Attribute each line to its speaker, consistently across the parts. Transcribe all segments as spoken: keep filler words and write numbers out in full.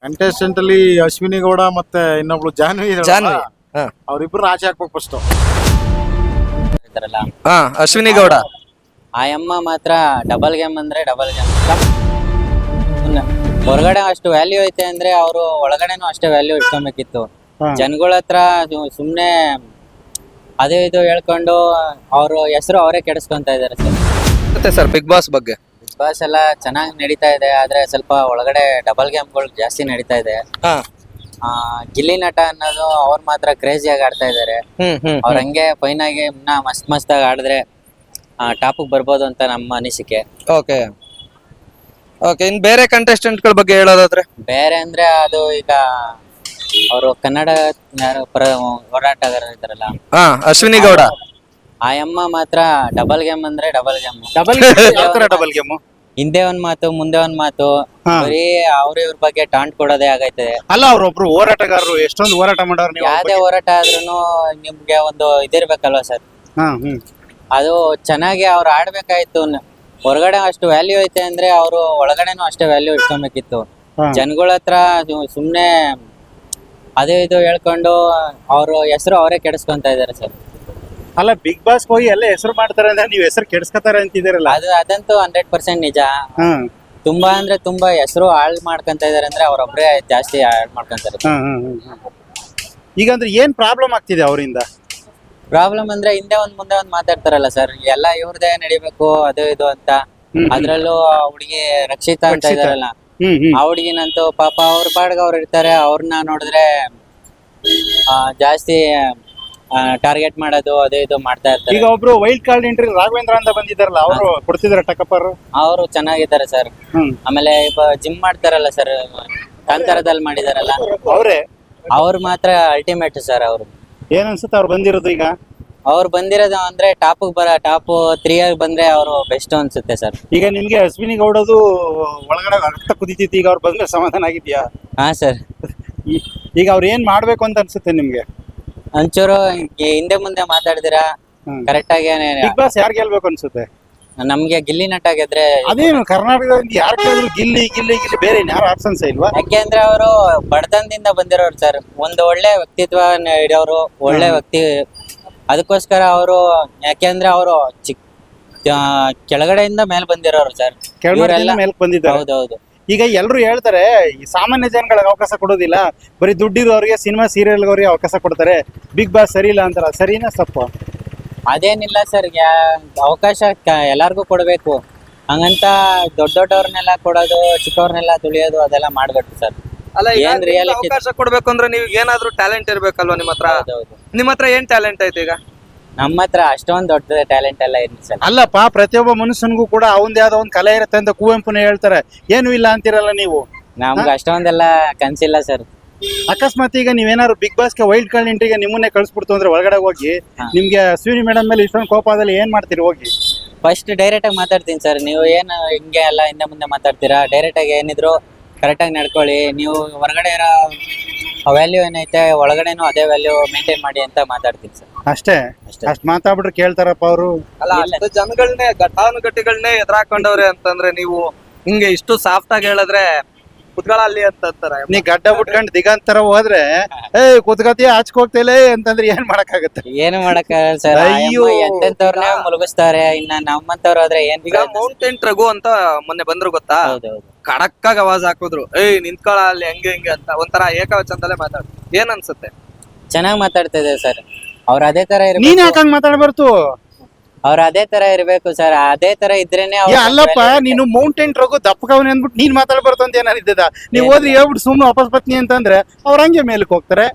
Speaker 1: Contestant ಅಲ್ಲಿ ಅಶ್ವಿನಿ ಗೌಡ ಮತ್ತೆ ಇನ್ನೊಬ್ಳು ಜಾನ್ವಿ ಇದಾಳಲ್ಲ,
Speaker 2: ಜಾನ್ವಿ ಹಾ
Speaker 1: ಅವ್ರಿಬ್ರು ಆಚೆ ಹಾಕ್ಬೇಕು ಫಸ್ಟ್.
Speaker 3: ಇರ್ತಾರಲ್ಲ
Speaker 2: ಹಾ ಅಶ್ವಿನಿ ಗೌಡ
Speaker 3: ಆ ಅಮ್ಮ ಮಾತ್ರ ಡಬಲ್ ಗೇಮ್ ಅಂದ್ರೆ ಡಬಲ್ ಗೇಮ್. ಹೊರಗಡೆ ಅಷ್ಟು ವ್ಯಾಲ್ಯೂ ಐತೆ ಅಂದ್ರೆ ಅವರು ಒಳಗಡೆನೂ ಅಷ್ಟೇ ವ್ಯಾಲ್ಯೂ ಇಟ್ಕೊಬೇಕಿತ್ತು. ಜನಗಳ ಹತ್ರ ಸುಮ್ನೆ ಅದೇ ಇದು ಹೇಳ್ಕೊಂಡು ಅವ್ರ ಹೆಸರು ಅವರೇ ಕೆಡಿಸ್ಕೊಂತ ಇದಾರೆ ಸರ್.
Speaker 2: ಮತ್ತೆ ಸರ್ ಬಿಗ್ ಬಾಸ್ ಬಗ್ಗೆ
Speaker 3: ಬಿಗ್ ಬಾಸ್ ಎಲ್ಲ ಚೆನ್ನಾಗಿ ನಡೀತಾ ಇದೆ, ಆದ್ರೆ ಸ್ವಲ್ಪ ಒಳಗಡೆ ಡಬಲ್ ಗೇಮ್ಗಳು ಜಾಸ್ತಿ ನಡೀತಾ ಇದೆ.
Speaker 2: ಹಾ
Speaker 3: ಆ ಗಿಲ್ಲಿ ನಟ ಅನ್ನೋದು ಅವ್ರು ಮಾತ್ರ ಕ್ರೇಜಿಯಾಗಿ ಆಡ್ತಾ ಇದಾರೆ.
Speaker 2: ಹ್ಮ್ ಹ್ಮ್
Speaker 3: ಅವ್ರ ಹಂಗೆ ಫೈನ್ ಆಗಿ ಇನ್ನ ಮಸ್ತ್ ಮಸ್ತಾಗಿ ಆಡಿದ್ರೆ ಟಾಪಿಗೆ ಬರ್ಬೋದು ಅಂತ ನಮ್ಮ ಅನಿಸಿಕೆ.
Speaker 2: ಓಕೆ ಓಕೆ ಇನ್ ಬೇರೆ ಕಂಟೆಸ್ಟೆಂಟ್ ಗಳ ಬಗ್ಗೆ ಹೇಳೋದಾದ್ರೆ
Speaker 3: ಬೇರೆ ಅಂದ್ರೆ ಅದು ಈಗ ಅವರು ಕನ್ನಡ ಯಾರು ಪರ ಹೋರಾಟಗಾರ ಇದಾರಲ್ಲ,
Speaker 2: ಹಾ ಅಶ್ವಿನಿ ಗೌಡ
Speaker 3: ಆ ಅಮ್ಮ ಮಾತ್ರ ಡಬಲ್ ಗೇಮ್ ಅಂದ್ರೆ ಡಬಲ್ ಗೇಮ್.
Speaker 1: ಡಬಲ್ ಯಾವ ತರ ಡಬಲ್ ಗೇಮ್?
Speaker 3: ಹಿಂದೆ ಒಂದ್ ಮಾತು ಮುಂದೆ ಒಂದ್ ಮಾತು, ಬರೀ ಅವ್ರ ಇವ್ರ ಬಗ್ಗೆ ಟಾಂಟ್ ಕೊಡೋದೇ ಆಗೈತದೆ.
Speaker 1: ಅಲ್ಲ, ಅವ್ರೊಬ್ರು ಹೋರಾಟಗಾರರು, ಎಷ್ಟೊಂದು ಹೋರಾಟ ಮಾಡೋರು ನೀವು.
Speaker 3: ಯಾವ್ದೇ ಹೋರಾಟ ಆದ್ರೂನು ನಿಮ್ಗೆ ಒಂದು ಇದಿರ್ಬೇಕಲ್ವಾ ಸರ್.
Speaker 1: ಹಾ ಹ್ಮ್
Speaker 3: ಅದು ಚೆನ್ನಾಗಿ ಅವ್ರು ಆಡ್ಬೇಕಾಯ್ತು. ಹೊರಗಡೆ ಅಷ್ಟು ವ್ಯಾಲ್ಯೂ ಐತೆ ಅಂದ್ರೆ ಅವರು ಒಳಗಡೆನೂ ಅಷ್ಟೇ ವ್ಯಾಲ್ಯೂ ಇಟ್ಕೊಬೇಕಿತ್ತು. ಜನಗಳ ಹತ್ರ ಸುಮ್ನೆ ಅದೇ ಇದು ಹೇಳ್ಕೊಂಡು ಅವ್ರ ಹೆಸರು ಅವರೇ ಕೆಡಿಸ್ಕೊಂತ ಇದಾರೆ ಸರ್.
Speaker 1: ಅಲ್ಲ, ಬಿಗ್ ಬಾಸ್ ಹೋಗಿ ಎಲ್ಲ ಹೆಸರು ಮಾಡ್ತಾರೆ ಅಂದ್ರೆ ನೀವು ಹೆಸರು ಕೆಡಿಸ್ಕೊತಾರೆ ಅಂತಿದ್ದೀರಲ್ಲ.
Speaker 3: ಅದು ಅದಂತೂ ಹಂಡ್ರೆಡ್ ಪರ್ಸೆಂಟ್ ನಿಜ.
Speaker 1: ಹ್ಮ್
Speaker 3: ತುಂಬಾ ಅಂದ್ರೆ ತುಂಬಾ ಹೆಸರು ಹಾಳ್ ಮಾಡ್ಕೊಂತ ಇದಾರೆ ಅಂದ್ರೆ ಅವ್ರೊಬ್ರೇ ಜಾಸ್ತಿ ಹಾಳ್ ಮಾಡ್ಕೊಂತಾರೆ.
Speaker 1: ಹ್ಮ್ ಹ್ಮ್ ಹ್ಮ್ ಈಗ ಅಂದ್ರೆ ಏನ್ ಪ್ರಾಬ್ಲಮ್ ಆಗ್ತಿದೆ ಅವರಿಂದ?
Speaker 3: ಪ್ರಾಬ್ಲಮ್ ಅಂದ್ರೆ ಹಿಂದೆ ಒಂದ್ ಮುಂದೆ ಒಂದ್ ಮಾತಾಡ್ತಾರಲ್ಲ ಸರ್, ಎಲ್ಲ ಇವ್ರದೇ ನಡಿಬೇಕು ಅದು ಇದು ಅಂತ. ಅದ್ರಲ್ಲೂ ಹುಡುಗಿ ರಕ್ಷಿತಾ ಅಂತ ಇದಾರಲ್ಲ,
Speaker 1: ಹ್ಮ್ ಹ್ಮ್
Speaker 3: ಆ ಹುಡುಗಿನಂತೂ ಪಾಪ ಅವ್ರ ಪಾಡ್ಗ ಅವ್ರು ಇರ್ತಾರೆ. ಅವ್ರನ್ನ ನೋಡಿದ್ರೆ ಆ ಜಾಸ್ತಿ ಟಾರ್ಗೆಟ್ ಮಾಡೋದು ಅದು ಇದು ಮಾಡ್ತಾ ಇರ್ತಾರೆ.
Speaker 1: ಈಗ ಒಬ್ರು ವೈಲ್ಡ್ ಕಾರ್ಡ್ ಎಂಟ್ರಿ ರಾಘವೇಂದ್ರ ಅಂತ ಬಂದಿದ್ದಾರಲ್ಲ, ಅವರು ಕೊಡ್ತಿದಾರೆ ಟಕಪ್ಪರು.
Speaker 3: ಅವರು ಚೆನ್ನಾಗಿದ್ದಾರೆ ಸರ್.
Speaker 1: ಹ್ಮ್
Speaker 3: ಆಮೇಲೆ ಜಿಮ್ ಮಾಡ್ತಾರಲ್ಲ ಸರ್, ಕಾಂತಾರದಲ್ಲಿ ಮಾಡಿದಾರಲ್ಲ,
Speaker 1: ಅವರೇ
Speaker 3: ಅವ್ರು ಮಾತ್ರ ಅಲ್ಟಿಮೇಟ್ ಸರ್. ಅವ್ರು
Speaker 1: ಏನ್ ಅನ್ಸುತ್ತೆ ಅವ್ರು ಬಂದಿರೋದು? ಈಗ
Speaker 3: ಅವ್ರು ಬಂದಿರೋದು ಅಂದ್ರೆ ಟಾಪ್ ಬರ ಟಾಪ್ ತ್ರೀ ಆಗಿ ಬಂದ್ರೆ ಅವರು ಬೆಸ್ಟ್ ಅನ್ಸುತ್ತೆ ಸರ್.
Speaker 1: ಈಗ ನಿಮ್ಗೆ ಅಶ್ವಿನಿ ಗೌಡದು ಒಳಗಡೆ ರಕ್ತ ಕುದಿತಿತ್ತು, ಈಗ ಅವ್ರು ಬಂದ್ರೆ ಸಮಾಧಾನ ಆಗಿದ್ಯಾ?
Speaker 3: ಹಾ ಸರ್.
Speaker 1: ಈಗ ಅವ್ರು ಏನ್ ಮಾಡ್ಬೇಕು ಅಂತ ಅನ್ಸುತ್ತೆ ನಿಮ್ಗೆ?
Speaker 3: ಒಂಚೂರು ಹಿಂದೆ ಮುಂದೆ ಮಾತಾಡಿದಿರಾ ಕರೆಕ್ಟ್ ಆಗಿ.
Speaker 1: ಬಿಗ್ ಬಾಸ್ ಯಾರು ಗೆಲ್ಬೇಕು ಅನ್ಸುತ್ತೆ?
Speaker 3: ನಮ್ಗೆ ಗಿಲ್ಲಿ ನಟ ಗೆದ್ರೆ.
Speaker 1: ಅದೇನು ಕರ್ನಾಟಕದಿಂದ ಯಾರು ಕೇಳಿದ್ರು ಗಿಲ್ಲಿ ಗಿಲ್ಲಿ ಗಿಲ್ಲಿ, ಬೇರೆ ಯಾರು ಆಪ್ಷನ್ಸ್ ಇಲ್ವಾ?
Speaker 3: ಯಾಕೆಂದ್ರೆ ಅವರು ಬಡತನದಿಂದ ಬಂದಿರೋರು ಸರ್, ಒಂದು ಒಳ್ಳೆ ವ್ಯಕ್ತಿತ್ವ ಇಡೋರು, ಒಳ್ಳೆ ವ್ಯಕ್ತಿ. ಅದಕ್ಕೋಸ್ಕರ ಅವರು, ಯಾಕೆಂದ್ರೆ ಅವರು ಚಿಕ್ ಕೆಳಗಡೆಯಿಂದ ಮೇಲೆ ಬಂದಿರೋರು ಸರ್.
Speaker 1: ಕೆಳಗಡೆಯಿಂದ ಮೇಲ್ಕ್ ಬಂದಿದ್ದಾರೆ.
Speaker 3: ಹೌದೌದು.
Speaker 1: ಈಗ ಎಲ್ರು ಹೇಳ್ತಾರೆ ಈ ಸಾಮಾನ್ಯ ಜನಗಳಿಗೆ ಅವಕಾಶ ಕೊಡೋದಿಲ್ಲ, ಬರೀ ದುಡ್ಡಿರೋರಿಗೆ ಸಿನಿಮಾ ಸೀರಿಯಲ್ಗವ್ರಿಗೆ ಅವಕಾಶ ಕೊಡ್ತಾರೆ, ಬಿಗ್ ಬಾಸ್ ಸರಿ ಇಲ್ಲ ಅಂತಾರ. ಸರಿನಾ ತಪ್ಪು?
Speaker 3: ಅದೇನಿಲ್ಲ ಸರ್, ಅವಕಾಶ ಎಲ್ಲಾರ್ಗು ಕೊಡ್ಬೇಕು. ಹಂಗಂತ ದೊಡ್ಡ ದೊಡ್ಡವ್ರನ್ನೆಲ್ಲ ಕೊಡೋದು, ಚಿಕ್ಕವ್ರನ್ನೆಲ್ಲ ತುಳಿಯೋದು ಅದೆಲ್ಲ ಮಾಡ್ಬೇಕು ಸರ್.
Speaker 2: ಅಲ್ಲ
Speaker 3: ಏನ್ ರಿಯಾಲಿಟಿ
Speaker 2: ಅವಕಾಶ ಕೊಡ್ಬೇಕು ಅಂದ್ರೆ ನೀವು ಏನಾದ್ರೂ ಟ್ಯಾಲೆಂಟ್ ಇರ್ಬೇಕಲ್ವಾ ನಿಮ್ಮ ಹತ್ರ? ನಿಮ್ಮ ಹತ್ರ ಏನ್ ಟ್ಯಾಲೆಂಟ್ ಐತೆ ಈಗ?
Speaker 3: ನಮ್ಮ ಹತ್ರ ಅಷ್ಟೊಂದ್ ದೊಡ್ಡ ಟ್ಯಾಲೆಂಟ್ ಎಲ್ಲ ಇಲ್ಲ ಸರ್.
Speaker 1: ಅಲ್ಲಪ್ಪ, ಪ್ರತಿಯೊಬ್ಬ ಮನುಷ್ಯನಿಗೂ ಕೂಡ ಅವಂದ್ ಯಾವ್ದೋ ಒಂದ್ ಕಲೆ ಇರುತ್ತೆ ಅಂತ ಕುವೆಂಪುನೇ ಹೇಳ್ತಾರೆ. ಏನು ಇಲ್ಲ ಅಂತಿರಲ್ಲ ನೀವು.
Speaker 3: ನಮ್ಗೆ ಅಷ್ಟೊಂದೆಲ್ಲ ಕನ್ಸಿಲ್ಲ ಸರ್.
Speaker 1: ಅಕಸ್ಮಾತ್ ಈಗ ನೀವೇನಾದ್ರು ಬಿಗ್ ಬಾಸ್ಗೆ ವೈಲ್ಡ್ ಕಾರ್ಡ್ ಎಂಟ್ರಿಗೆ ನಿಮ್ಮನ್ನೇ ಕಳ್ಸ್ಬಿಡ್ತು ಅಂದ್ರೆ ಒಳಗಡೆ ಹೋಗಿ ನಿಮ್ಗೆ ಅಶ್ವಿನಿ ಮೇಡಮ್ ಮೇಲೆ ಇಷ್ಟೊಂದು ಕೋಪ ಆದಲ್ಲಿ ಏನ್ ಮಾಡ್ತೀರಿ ಹೋಗಿ?
Speaker 3: ಫಸ್ಟ್ ಡೈರೆಕ್ಟ್ ಆಗಿ ಮಾತಾಡ್ತೀನಿ ಸರ್. ನೀವು ಏನ್ ಹಿಂಗೆ ಎಲ್ಲ ಹಿಂದೆ ಮುಂದೆ ಮಾತಾಡ್ತೀರಾ, ಡೈರೆಕ್ಟ್ ಆಗಿ ಏನಿದ್ರು ಕರೆಕ್ಟ್ ಆಗಿ ನಡ್ಕೊಳ್ಳಿ. ನೀವು ಹೊರಗಡೆ ಇರೋ ವ್ಯಾಲ್ಯೂ ಏನೈತೆ ಒಳಗಡೆನೂ ಅದೇ ವ್ಯಾಲ್ಯೂ ಮೇಂಟೈನ್ ಮಾಡಿ ಅಂತ ಮಾತಾಡ್ತೀನಿ ಸರ್.
Speaker 1: ಅಷ್ಟೇ? ಅಷ್ಟ್ ಮಾತಾಡ್ಬಿಟ್ರೆ ಕೇಳ್ತಾರಪ್ಪ ಅವರು?
Speaker 2: ಅಲ್ಲ, ಅಷ್ಟು ಜನಗಳನ್ನೇ ಘಟಾನುಘಟಿಗಳನ್ನೇ ಎದುರಾಕೊಂಡವ್ರೆ ಅಂತಂದ್ರೆ ನೀವು ಹಿಂಗೆ ಇಷ್ಟು ಸಾಫ್ಟ್ ಆಗಿ ಹೇಳಿದ್ರೆ ಕುತ್ಕೊಳ್ಳಿ ಅಂತ ಅಂತಾರೆ.
Speaker 1: ನೀ ಗಡ್ಡ ಬಿಟ್ಕೊಂಡು ದಿಗಂತರ ಹೋದ್ರೆ ಏ ಕುತ್ಕತಿ ಆಚಕ್ ಹೋಗ್ತೇಲೆ ಅಂತಂದ್ರೆ ಏನ್ ಮಾಡಕ್ಕಾಗತ್ತೆ?
Speaker 3: ಏನು ಮಾಡಕ್ಕಾಗಲ್ಲ ಸರ್.
Speaker 1: ಅಯ್ಯೋ.
Speaker 3: ಎಂತೆಂತವ್ರನ್ನೇ ಮುಳುಗಿಸ್ತಾರೆ, ಇನ್ನ ನಮ್ಮಂತವ್ರು ಆದ್ರೆ ಏನ್.
Speaker 2: ಈಗ ಮೌಂಟೇನ್ ರಘು ಅಂತ ಮೊನ್ನೆ ಬಂದ್ರು ಗೊತ್ತಾ?
Speaker 3: ಹೌದೌದು.
Speaker 2: ಖಡಕ್ ಆಗಿ ಅವಾಜ್ ಹಾಕಿದ್ರು, ಏಯ್ ನಿಂತ್ಕೊಳ ಅಲ್ಲಿ ಹೆಂಗೆ ಹೆಂಗೆ ಅಂತ ಒಂಥರ ಏಕವಚನದಲ್ಲೇ ಮಾತಾಡ್. ಏನ್ ಅನ್ಸುತ್ತೆ?
Speaker 3: ಚೆನ್ನಾಗ್ ಮಾತಾಡ್ತಾ ಇದ್ದಾರೆ ಸರ್. ಅವ್ರ ಅದೇ ತರ
Speaker 1: ನೀನ್
Speaker 3: ಇರ್ಬೇಕು.
Speaker 1: ಯಾಕಂಗ್ ಮಾತಾಡ್ಬಾರ್ದು?
Speaker 3: ಅವ್ರ ಅದೇ ತರ ಇರ್ಬೇಕು ಸರ್. ಅದೇ ತರ ಇದ್ರೇನೆ
Speaker 1: ಏ ಅಲ್ಲಪ್ಪ, ನೀನು ಮೌಂಟೇನ್ ರಘು ದಪ್ಪಕವನೆ ಅಂದ್ಬಿಟ್ಟು ನೀನ್ ಮಾತಾಡ್ಬಾರ್ದು ಅಂತ ಏನಾರಿದ್ದದ? ನೀವ್ ಹೋದ್ರಿ ಹೇಳ್ಬಿಟ್ಟು ಸುಮ್ನೆ ವಾಪಸ್ ಬತ್ನಿ ಅಂತಂದ್ರೆ ಅವ್ರ ಹಂಗೆ ಮೇಲಕ್ ಹೋಗ್ತಾರೆ.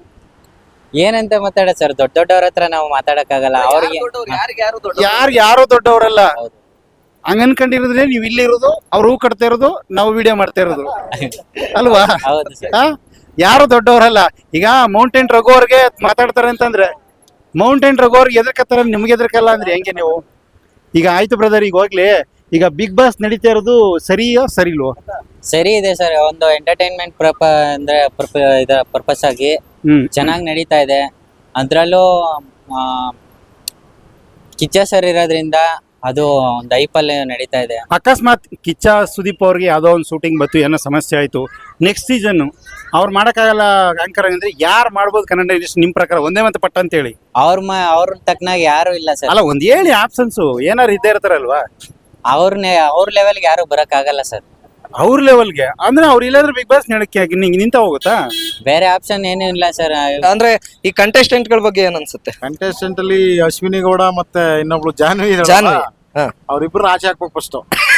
Speaker 3: ಏನಂತ ಮಾತಾಡ ಸರ್, ದೊಡ್ಡ ದೊಡ್ಡವ್ರ ಹತ್ರ ನಾವು ಮಾತಾಡಕ್ ಆಗಲ್ಲ. ಅವ್ರಿಗೆ
Speaker 2: ಯಾರಿಗೆ ಯಾರು ದೊಡ್ಡ
Speaker 1: ಯಾರು ಯಾರೋ ದೊಡ್ಡವರಲ್ಲ.
Speaker 3: ಹೌದು.
Speaker 1: ಹಂಗ ಅನ್ಕೊಂಡಿರೋದ್ರೆ ನೀವ್ ಇಲ್ಲಿ ಇರೋದು, ಅವ್ರು ಹೂ ಕಟ್ತಾ ಇರೋದು, ನಾವು ವಿಡಿಯೋ ಮಾಡ್ತಾ ಇರೋದು ಅಲ್ವಾ?
Speaker 3: ಹೌದು ಸರ್.
Speaker 1: ಆ ಯಾರು ದೊಡ್ಡವರಲ್ಲ. ಈಗ ಮೌಂಟೇನ್ ರಘು ಅವ್ರಿಗೆ ಮಾತಾಡ್ತಾರೆ ಅಂತಂದ್ರೆ ಮೌಂಟೇನ್ ರಘು ಅವ್ರಿಗೆ ಎದರ್ಕತ್ತಾರ, ನಿಮ್ಗೆ ಎದರ್ಕಲ್ಲ ಅಂದ್ರೆ ಹೆಂಗೆ ನೀವು? ಈಗ ಆಯ್ತು ಬ್ರದರ್, ಈಗ ಹೋಗ್ಲಿ, ಈಗ ಬಿಗ್ ಬಾಸ್ ನಡೀತಾ ಇರೋದು ಸರಿಯೋ ಸರಿಲ್ವೋ?
Speaker 3: ಸರಿ ಇದೆ ಸರ್. ಒಂದು ಎಂಟರ್ಟೈನ್ಮೆಂಟ್ ಪ್ರಪ ಅಂದ್ರೆ ಇದ ಪರ್ಪಸ್ ಆಗಿ
Speaker 1: ಹ್ಮ್
Speaker 3: ಚೆನ್ನಾಗಿ ನಡೀತಾ ಇದೆ. ಅದ್ರಲ್ಲೂ ಕಿಚ್ಚ ಸರ್ ಇರೋದ್ರಿಂದ ಅದು ಒಂದು ಐಪಲ್ಲಿ ನಡೀತಾ ಇದೆ.
Speaker 1: ಅಕಸ್ಮಾತ್ ಕಿಚ್ಚ ಸುದೀಪ್ ಅವ್ರಿಗೆ ಯಾವುದೋ ಒಂದು ಶೂಟಿಂಗ್ ಬತ್ತು, ಏನೋ ಸಮಸ್ಯೆ ಆಯಿತು, ನೆಕ್ಸ್ಟ್ ಸೀಸನ್ ಅವ್ರು ಮಾಡೋಕ್ಕಾಗಲ್ಲ ಆಂಕರ್ ಅಂದ್ರೆ ಯಾರು ಮಾಡ್ಬೋದು ಕನ್ನಡ ಇಂಡಸ್ಟ್ರಿ ನಿಮ್ಮ ಪ್ರಕಾರ? ಒಂದೇ ಮತ್ತೆ ಪಟ್ಟ ಅಂತ ಹೇಳಿ.
Speaker 3: ಅವ್ರ ಮ ಅವ್ರ ತಕ್ಕನಾಗ ಯಾರು ಇಲ್ಲ ಸರ್.
Speaker 1: ಅಲ್ಲ, ಒಂದ್ ಹೇಳಿ ಆಪ್ಷನ್ಸು ಏನಾರು ಇದ್ದೇ ಇರ್ತಾರಲ್ವಾ?
Speaker 3: ಅವ್ರನ್ನೇ ಅವ್ರ ಲೆವೆಲ್ಗೆ ಯಾರು ಬರಕ್ ಆಗಲ್ಲ ಸರ್.
Speaker 1: ಅವ್ರ ಲೆವೆಲ್ಗೆ ಅಂದ್ರೆ ಅವ್ರು ಇಲ್ಲಾಂದ್ರೆ ಬಿಗ್ ಬಾಸ್ ನಡಕ್ಕೆ ನಿಂಗೆ ನಿಂತ ಹೋಗುತ್ತಾ?
Speaker 3: ಬೇರೆ ಆಪ್ಷನ್ ಏನೂ ಇಲ್ಲ ಸರ್.
Speaker 2: ಅಂದ್ರೆ ಈ ಕಂಟೆಸ್ಟೆಂಟ್ ಗಳ ಬಗ್ಗೆ ಏನ್ ಅನ್ಸುತ್ತೆ?
Speaker 4: ಕಂಟೆಸ್ಟೆಂಟ್ ಅಲ್ಲಿ ಅಶ್ವಿನಿ ಗೌಡ ಮತ್ತೆ ಇನ್ನೊಬ್ಳು ಜಾನ್ವಿ ಇದಾರಲ್ಲ,
Speaker 2: ಜಾನ್ವಿ. ಹಾ.
Speaker 4: ಅವ್ರಿಬ್ರು ಆಚೆ ಹಾಕ್ಬೇಕು ಫಸ್ಟ್.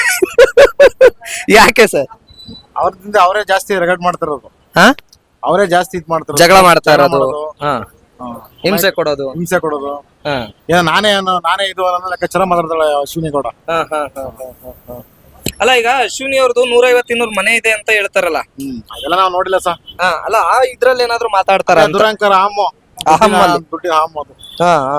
Speaker 2: ಯಾಕೆ ಸರ್?
Speaker 4: ಅವ್ರದಿಂದ ಅವರೇ ಜಾಸ್ತಿ ರೆಗಡ್ ಮಾಡ್ತಿರೋದು,
Speaker 2: ಹಾ
Speaker 4: ಅವರೇ ಜಾಸ್ತಿ ಇದ್ ಮಾಡ್ತಾರೆ,
Speaker 2: ಜಗಳ ಮಾಡ್ತಾ ಇರೋದು,
Speaker 4: ಮಾಡೋದು,
Speaker 2: ಹಾ
Speaker 4: ಹಾ.
Speaker 2: ಹಿಂಸೆ ಕೊಡೋದು.
Speaker 4: ಹಿಂಸೆ ಕೊಡೋದು.
Speaker 2: ಹಾ
Speaker 4: ಏನೋ ನಾನೇ ಏನೋ ನಾನೇ ಇದು ಅನ್ನೋ ಲೆಕ್ಕಾಚಾರ ಮಾತಾಡ್ತಾಳೆ ಅಶ್ವಿನಿ ಗೌಡ.
Speaker 2: ಹಾ ಹಾ ಹಾ ಹಾ ಹಾ ಹಾ. ಅಲ್ಲ, ಈಗ ಅಶ್ವಿನಿ ಅವ್ರದ್ದು ನೂರ ಐವತ್ತು ಇನ್ನೂರು ಮನೆ ಇದೆ ಅಂತ ಹೇಳ್ತಾರಲ್ಲ.
Speaker 4: ಹ್ಮ್ ಅದೆಲ್ಲ ನಾವು ನೋಡಿಲ್ಲ ಸರ್.
Speaker 2: ಹಾ ಅಲ್ಲ, ಆ ಇದ್ರಲ್ಲಿ ಏನಾದ್ರು ಮಾತಾಡ್ತಾರ ಅಂತ?
Speaker 4: ದುರಂಕಾರ ಹಾಮು,
Speaker 2: ಅಹಂ ಅಲ್ಲಿ.
Speaker 4: ದುಡ್ಡಿನ ಹಾಮು ಅದು.
Speaker 2: ಹಾ ಹಾ.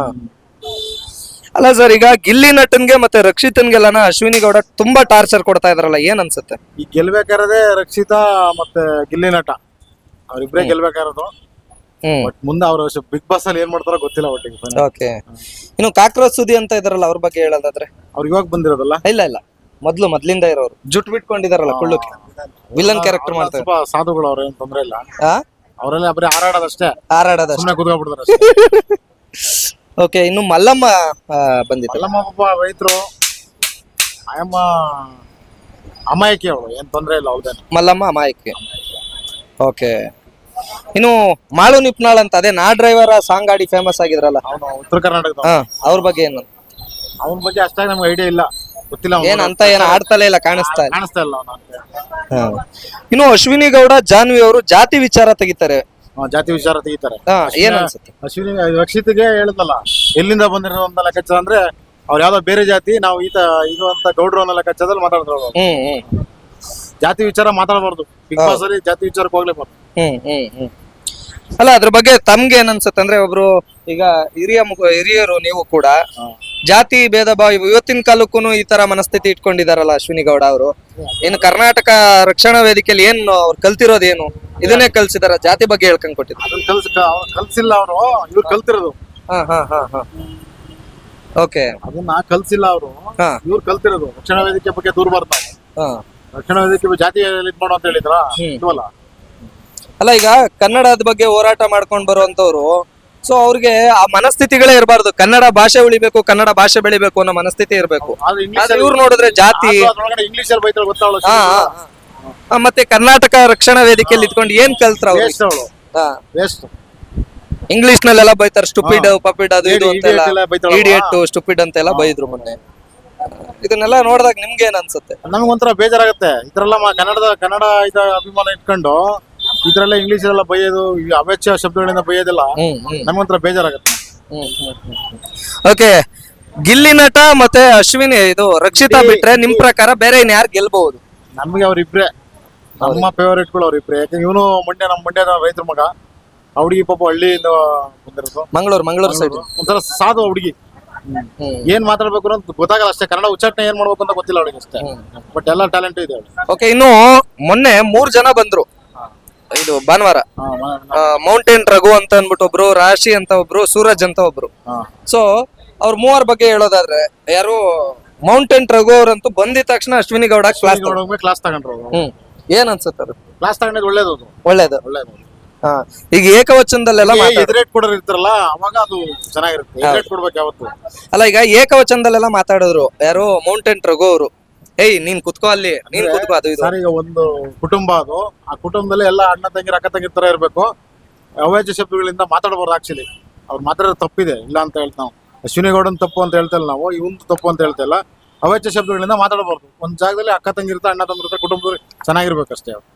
Speaker 2: ಅಲ್ಲ ಸರ್, ಈಗ ಗಿಲ್ಲಿ ನಟನ್ಗೆ ಮತ್ತೆ ರಕ್ಷಿತನ್ಗೆಲ್ಲನ ಅಶ್ವಿನಿ ಗೌಡ ತುಂಬಾ ಟಾರ್ಚರ್ ಕೊಡ್ತಾ ಇದಾರಲ್ಲ, ಏನ್ ಅನ್ಸುತ್ತೆ?
Speaker 4: ಈಗ ಗೆಲ್ಬೇಕಾರದೆ ರಕ್ಷಿತಾ ಮತ್ತೆ ಗಿಲ್ಲಿ ನಟ ಅವ್ರಿಬ್ರೇ ಗೆಲ್ಬೇಕಾರದು.
Speaker 2: ಹ್ಮ್
Speaker 4: ಬಟ್ ಮುಂದೆ ಅವ್ರು ಬಿಗ್ ಬಾಸ್ ಅಲ್ಲಿ ಏನ್ ಮಾಡ್ತಾರೋ ಗೊತ್ತಿಲ್ಲ ಒಟ್ಟಿಗೆ.
Speaker 2: ಓಕೆ. ಇನ್ನು ಕಾಕ್ರೋಚ್ ಸುದಿ ಅಂತ ಇದಾರಲ್ಲ, ಅವ್ರ ಬಗ್ಗೆ ಹೇಳೋದಾದ್ರೆ?
Speaker 4: ಅವ್ರು ಇವಾಗ ಬಂದಿರೋದಲ್ಲ,
Speaker 2: ಇಲ್ಲ ಇಲ್ಲ, ಮೊದ್ಲು ಮೊದ್ಲಿಂದ ಇರೋರು ಜುಟ್ ಬಿಟ್ಕೊಂಡಿದಾರಲ್ಲ ಕುಳ್ಳಕ್ಕೆ, ವಿಲನ್ ಕ್ಯಾರೆಕ್ಟರ್ ಮಾಡ್ತಾರೆ.
Speaker 4: ಸ್ವಲ್ಪ ಸಾಧುಗಳು ಅವ್ರ ಏನ್ ತೊಂದ್ರೆ ಇಲ್ಲ,
Speaker 2: ಆ
Speaker 4: ಅವರೆಲ್ಲ ಬರೀ ಹಾರಾಡೋದಷ್ಟೇ,
Speaker 2: ಹಾರಾಡೋದ.
Speaker 4: ಸುಮ್ಮನೆ ಕುತ್ಕೊಂಡ್ಬಿಡ್ತಾರೆ ಅಷ್ಟೇ.
Speaker 2: ಓಕೆ. ಇನ್ನು ಮಲ್ಲಮ್ಮ ಆ, ಬಂದಿತ್ತು.
Speaker 4: ಅಲ್ಲಮ್ಮ ಪಾಪ ರೈತರು, ಆಯಮ್ಮ ಅಮಾಯಕಿ ಅವಳು, ಏನ್ ತೊಂದ್ರೆ ಇಲ್ಲ ಅವ್ಳದೇನು.
Speaker 2: ಮಲ್ಲಮ್ಮ ಅಮಾಯಕಿ. ಓಕೆ. ಇನ್ನು ಮಾಳು ನಿಪ್ನಾಳ್ ಅಂತ, ಅದೇ ನಾ ಡ್ರೈವರ್ ಸಾಂಗ್ ಆಡಿ ಫೇಮಸ್ ಆಗಿದ್ರಲ್ಲ,
Speaker 4: ಅವನು ಉತ್ತರ ಕರ್ನಾಟಕದ,
Speaker 2: ಹಾ, ಅವ್ರ ಬಗ್ಗೆ ಏನು?
Speaker 4: ಅವನ ಬಗ್ಗೆ ಅಷ್ಟಾಗಿ ನಮ್ಗೆ ಐಡಿಯಾ ಇಲ್ಲ, ಗೊತ್ತಿಲ್ಲ. ಅವ್ನ್
Speaker 2: ಏನ್ ಅಂತ ಏನ್ ಆಡ್ತಲೇ ಇಲ್ಲ, ಕಾಣಿಸ್ತಾ ಇಲ್ಲ.
Speaker 4: ಕಾಣಿಸ್ತಾ ಇಲ್ಲ ಅವನು.
Speaker 2: ಇನ್ನು ಅಶ್ವಿನಿ ಗೌಡ ಜಾನ್ವಿ ಅವರು ಜಾತಿ ವಿಚಾರ ತೆಗಿತಾರೆ.
Speaker 4: ಜಾತಿ ವಿಚಾರ ತೆಗಿತಾರೆ.
Speaker 2: ಹಾ, ಏನ್ ಅನ್ಸುತ್ತೆ?
Speaker 4: ಅಶ್ವಿನಿ ರಕ್ಷಿತ್ಗೆ ಹೇಳುದಲ್ಲ, ಎಲ್ಲಿಂದ ಬಂದಿರೋಂತ ಲೆಕ್ಕಾಚಾರ ಅಂದ್ರೆ ಅವ್ರು ಯಾವ್ದೋ ಬೇರೆ ಜಾತಿ, ನಾವು ಈತ ಇದು ಅಂತ ಗೌಡ್ರು ಅನ್ನೋ ಲೆಕ್ಕಾಚಾರದಲ್ಲಿ ಮಾತಾಡ್ತಾರೆ.
Speaker 2: ಹ್ಮ್ ಹ್ಮ್
Speaker 4: ಜಾತಿ ವಿಚಾರ ಮಾತಾಡಬಾರ್ದು ಬಿಗ್ ಬಾಸ್ ಅಲ್ಲಿ, ಜಾತಿ ವಿಚಾರಕ್ಕೆ ಹೋಗ್ಲೇಬಾರ್ದು.
Speaker 2: ಹ್ಮ್ ಹ್ಮ್ ಹ್ಮ್ ಅಲ್ಲ, ಅದ್ರ ಬಗ್ಗೆ ತಮ್ಗೆ ಏನ್ ಅನ್ಸುತ್ತೆ ಅಂದ್ರೆ, ಒಬ್ರು ಈಗ ಹಿರಿಯ ಮುಖ ಹಿರಿಯರು ನೀವು ಕೂಡ ಜಾತಿ ಭೇದ ಭಾವ ಇವತ್ತಿನ ಕಾಲಕ್ಕೂ ಈ ತರ ಮನಸ್ಥಿತಿ ಇಟ್ಕೊಂಡಿದಾರಲ್ಲ ಅಶ್ವಿನಿ ಗೌಡ ಅವರು. ಇನ್ನು ಕರ್ನಾಟಕ ರಕ್ಷಣಾ ವೇದಿಕೆಯಲ್ಲಿ ಏನ್ ಅವ್ರು ಕಲ್ತಿರೋದೇನು? ಇದನ್ನೇ ಕಲ್ಸಿದಾರ, ಜಾತಿ ಬಗ್ಗೆ ಹೇಳ್ಕೊಂಡ್ ಕೊಟ್ಟಿದ್ರು.
Speaker 4: ಅದನ್ನ ಕಲ್ಸ್ ಕಲ್ಸಿಲ್ಲ ಅವರು, ಇವ್ರು ಕಲ್ತಿರೋದು.
Speaker 2: ಹಾ ಹಾ ಹಾ ಹಾ ಓಕೆ.
Speaker 4: ಅದನ್ನ ಕಲ್ಸಿಲ್ಲ ಅವರು,
Speaker 2: ಹಾ
Speaker 4: ಇವ್ರು ಕಲ್ತಿರೋದು. ರಕ್ಷಣಾ ವೇದಿಕೆ ಬಗ್ಗೆ ದೂರ ಬರ್ತಾವೆ.
Speaker 2: ಹಾ
Speaker 4: ರಕ್ಷಣಾ ವೇದಿಕೆ ಜಾತಿ ಇದ್ ಮಾಡೋ ಅಂತ ಹೇಳಿದ್ರ ಇಲ್ವಲ್ಲ.
Speaker 2: ಅಲ್ಲ, ಈಗ ಕನ್ನಡದ ಬಗ್ಗೆ ಹೋರಾಟ ಮಾಡ್ಕೊಂಡ್ ಬರುವಂತವ್ರು, ಸೊ ಅವ್ರಿಗೆ ಆ ಮನಸ್ಥಿತಿಗಳೇ ಇರಬಾರ್ದು. ಕನ್ನಡ ಭಾಷೆ ಉಳಿಬೇಕು, ಕನ್ನಡ ಭಾಷೆ ಬೆಳಿಬೇಕು ಅನ್ನೋ ಮನಸ್ಥಿತಿ ಇರಬೇಕು.
Speaker 4: ಆದ್ರೆ ಇಂಗ್ಲಿಷ್
Speaker 2: ಆದ್ರೆ ಇವ್ರು ನೋಡಿದ್ರೆ ಜಾತಿ,
Speaker 4: ಇಂಗ್ಲಿಷ್ ಅಲ್ಲಿ ಬೈತಾಳೆ ಗೊತ್ತಾವಳು.
Speaker 2: ಹಾ ಹಾ ಹಾ. ಮತ್ತೆ ಕರ್ನಾಟಕ ರಕ್ಷಣಾ ವೇದಿಕೆಯಲ್ಲಿ ಇದ್ಕೊಂಡು ಏನ್ ಕಲ್ತ್ರ ಅವ್ರು?
Speaker 4: ವೇಸ್ಟ್ ಅವಳು, ವೇಸ್ಟ್.
Speaker 2: ಇಂಗ್ಲಿಷ್ ನಲ್ಲೆಲ್ಲ ಬೈತಾರ, ಸ್ಟುಪಿಡ್ ಪಪಿಡ್ ಅದು ಇದು ಅಂತೆಲ್ಲ,
Speaker 4: Idiot ಎಲ್ಲ ಬೈತಾಳಲ್ವಾ?
Speaker 2: ಇಡಿಯಟ್ ಸ್ಟುಪಿಡ್ ಅಂತೆಲ್ಲ ಬೈದ್ರು ಮೊನ್ನೆ. ಇದನ್ನೆಲ್ಲ ನೋಡಿದಾಗ ನಿಮ್ಗೆ ಏನ್ ಅನ್ಸುತ್ತೆ?
Speaker 4: ನಮಗೊಂಥರ ಬೇಜಾರಾಗತ್ತೆ. ಇದ್ರೆಲ್ಲ ಮ- ಕನ್ನಡದ ಕನ್ನಡ ಇದ ಅಭಿಮಾನ ಇಟ್ಕೊಂಡು ಇದ್ರೆಲ್ಲ ಇಂಗ್ಲಿಷ್ ಎಲ್ಲ ಬೈಯೋದು, ಈ ಅವೆಚ್ಚ ಶಬ್ದಗಳಿಂದ ಬೈಯೋದಿಲ್ಲ,
Speaker 2: ಹ್ಮ್ ಹ್ಮ್
Speaker 4: ನಮಗೊಂಥರ ಬೇಜಾರಾಗತ್ತೆ.
Speaker 2: ಓಕೆ. ಗಿಲ್ಲಿ ನಟ ಮತ್ತೆ ಅಶ್ವಿನಿ ಇದು ರಕ್ಷಿತಾ ಬಿಟ್ರೆ ನಿಮ್ ಪ್ರಕಾರ ಬೇರೆ ಇನ್ ಯಾರು ಗೆಲ್ಬಹುದು?
Speaker 4: ನಮ್ಗೆ ಅವ್ರಿಬ್ರೆ ನಮ್ಮ ಫೇವರೇಟ್ಗಳು ಅವ್ರಿಬ್ರೆ. ಯಾಕಂದ್ರೆ ಇವನು ಮಂಡ್ಯ, ನಮ್ಮ ಮಂಡ್ಯದ ರೈತರ ಮಗ. ಆ ಹುಡುಗಿ ಪಾಪ ಹಳ್ಳಿಯಿಂದ ಬಂದಿರೋದು,
Speaker 2: ಮಂಗಳೂರು ಮಂಗಳೂರು ಸೈಡ್.
Speaker 4: ಒಂಥರ ಸಾಧು ಹುಡುಗಿ. ಏನ್ ಮಾತಾಡ್ಬೇಕು ಅಂತ ಗೊತ್ತಾಗಲ್ಲ ಅಷ್ಟೇ, ಕನ್ನಡ ಉಚ್ಚಾಟನೆ ಏನ್ ಮಾಡ್ಬೇಕು ಅಂತ ಗೊತ್ತಿಲ್ಲ ಅವಳಿಗೆ ಅಷ್ಟೇ. ಬಟ್ ಎಲ್ಲ ಟ್ಯಾಲೆಂಟ್ ಇದೆ ಅವಳಿಗೆ.
Speaker 2: ಓಕೆ. ಇನ್ನು ಮೊನ್ನೆ ಮೂರ್ ಜನ ಬಂದ್ರು, ಇದು ಭಾನುವಾರ. ಮೌಂಟೇನ್ ರಘು ಅಂತ ಅನ್ಬಿಟ್ಟು ಒಬ್ರು, ರಾಶಿ ಅಂತ ಒಬ್ರು, ಸೂರಜ್ ಅಂತ ಒಬ್ರು. ಸೊ ಅವ್ರ ಮೂವರ್ ಬಗ್ಗೆ ಹೇಳೋದಾದ್ರೆ, ಯಾರು ಮೌಂಟೇನ್ ರಘು ಅವ್ರಂತೂ ಬಂದಿದ ತಕ್ಷಣ ಅಶ್ವಿನಿ ಗೌಡ ಕ್ಲಾಸ್
Speaker 4: ಕ್ಲಾಸ್ ತಗೊಂಡ್ರು.
Speaker 2: ಹ್ಮ್ ಏನ್ ಅನ್ಸುತ್ತೆ ಅದು?
Speaker 4: ಕ್ಲಾಸ್ ತಗೊಂಡಿದ್ದು ಒಳ್ಳೇದು, ಅದು
Speaker 2: ಒಳ್ಳೇದು.
Speaker 4: ಒಳ್ಳೇದು.
Speaker 2: ಹಾ, ಈಗ ಏಕವಚನದಲ್ಲೆಲ್ಲ ಮಾತಾಡ
Speaker 4: ಎದುರೇಟ್ ಕೊಡೋರು ಇರ್ತಾರಲ್ಲ, ಅವಾಗ ಅದು ಚೆನ್ನಾಗಿರುತ್ತೆ. ಎದುರೇಟ್ ಕೊಡ್ಬೇಕು ಯಾವತ್ತು.
Speaker 2: ಅಲ್ಲ, ಈಗ ಏಕವಚನದಲ್ಲೆಲ್ಲ ಮಾತಾಡಿದ್ರು ಯಾರು, ಮೌಂಟೇನ್ ರಘು ಅವರು. ಏಯ್ ನೀನ್ ಕುತ್ಕೋ ಅಲ್ಲಿ, ನೀನ್ ಕುತ್ಕೋ ಅದು ಇದು.
Speaker 4: ಸರ್, ಈಗ ಒಂದು ಕುಟುಂಬ ಅದು, ಆ ಕುಟುಂಬದಲ್ಲಿ ಎಲ್ಲ ಅಣ್ಣ ತಂಗಿರ ಅಕ್ಕ ತಂಗಿರ ತರ ಇರ್ಬೇಕು. ಅವಾಚ್ಯ ಶಬ್ದಗಳಿಂದ ಮಾತಾಡಬಾರ್ದು. ಆಕ್ಚುಲಿ ಅವ್ರು ಮಾತಾಡೋದು ತಪ್ಪಿದೆ, ಇಲ್ಲ ಅಂತ ಹೇಳ್ತಾ ನಾವು ಅಶ್ವಿನಿ ಗೌಡನ್ ತಪ್ಪು ಅಂತ ಹೇಳ್ತಾ ಇಲ್ಲ, ನಾವು ಇವಂದು ತಪ್ಪು ಅಂತ ಹೇಳ್ತಾ ಇಲ್ಲ. ಅವಾಚ್ಯ ಶಬ್ದಗಳಿಂದ ಮಾತಾಡಬಾರ್ದು. ಒಂದ್ ಜಾಗದಲ್ಲಿ ಅಕ್ಕ ತಂಗಿರ್ತ, ಅಣ್ಣ ತಂಗಿರ್ತ, ಕುಟುಂಬದಲ್ಲಿ ಚೆನ್ನಾಗಿರ್ಬೇಕಷ್ಟೇ.